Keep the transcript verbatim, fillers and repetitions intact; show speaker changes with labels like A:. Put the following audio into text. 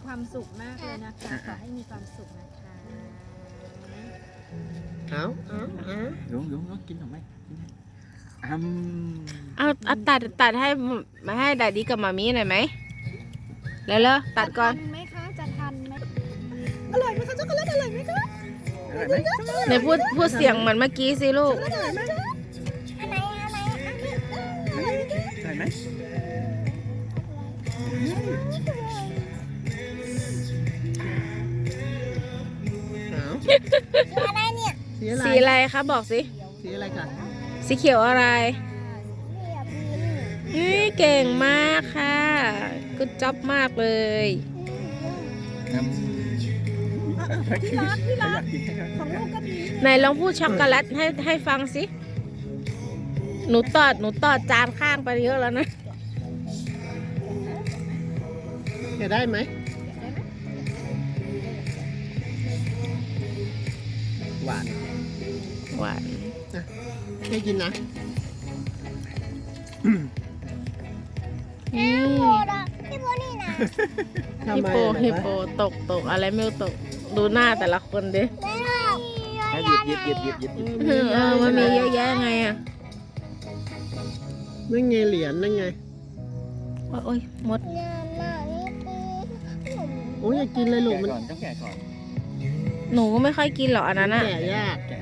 A: ความสุขมากเลยนะคะขอให้มีความสุขนะคะ
B: เอาเอาเอา
C: ลุงลุงลุงกินหรือไม่กินไหมอืม
D: เอาเอาตัดตัดให้มาให้ดาดีกับมามีหน่อยไหมแล้วเลยตัดก่อน
A: จะทันไหมคะจะทันไหมอร่อยไหมคะช็อกโกแลตอร่อยไหมคะ
C: อร่อยไหม
D: ไหนพูดพูดเสียงเหมือนเมื่อกี้สิลูก
A: อร่อยไหมคะอันไหนอันไหนอันนี้อร่อยไหมคะ
C: อร่อยไหม
B: เอา
A: อะไรเนี่ย
B: สีอะไร
D: สีอะไรคะบอกสิ
B: สีอะไรคะ
D: สีเขียวอะไร
A: เรียบ
D: นี่เก่งมากค่ะกุดจ็อบมากเลย
C: อืมพี่รักพี่รักกินให้เขา
A: ของลูกก็มี
D: ไหนลองพูดช็อกโกแลตให้ให้ฟังสิหนูตอดหนูตอดจานข้างไปเยอะแล้วนะ
B: จะได้ไหมหวาน
D: หวาน
B: ไม่กินนะ
D: นี่
A: พี่โบนี่นะ
B: ทำ
D: ฮิป
B: ไม
D: โป
B: อะ
D: ฮิปโปตกตกอะไรไม่รู้ตกดูหน้าแต่ละคนดิ
C: ให้หยิบหยิบหยิบหยิบหยิบหยิบ
D: เออเออมันมีเยอะแยะไงอ่ะ
B: นั่นไงเหรียญนั่นไง
D: โอ้ยมด
B: โอ้ยอย่ากินเลยลูก
C: แกะ
B: มัน
C: ก่อนต้องแกะก่อน
D: หนูก็ไม่ค่อยกินหรอกอันนั้นอ่ะ
B: แก่ยาก
C: แกะ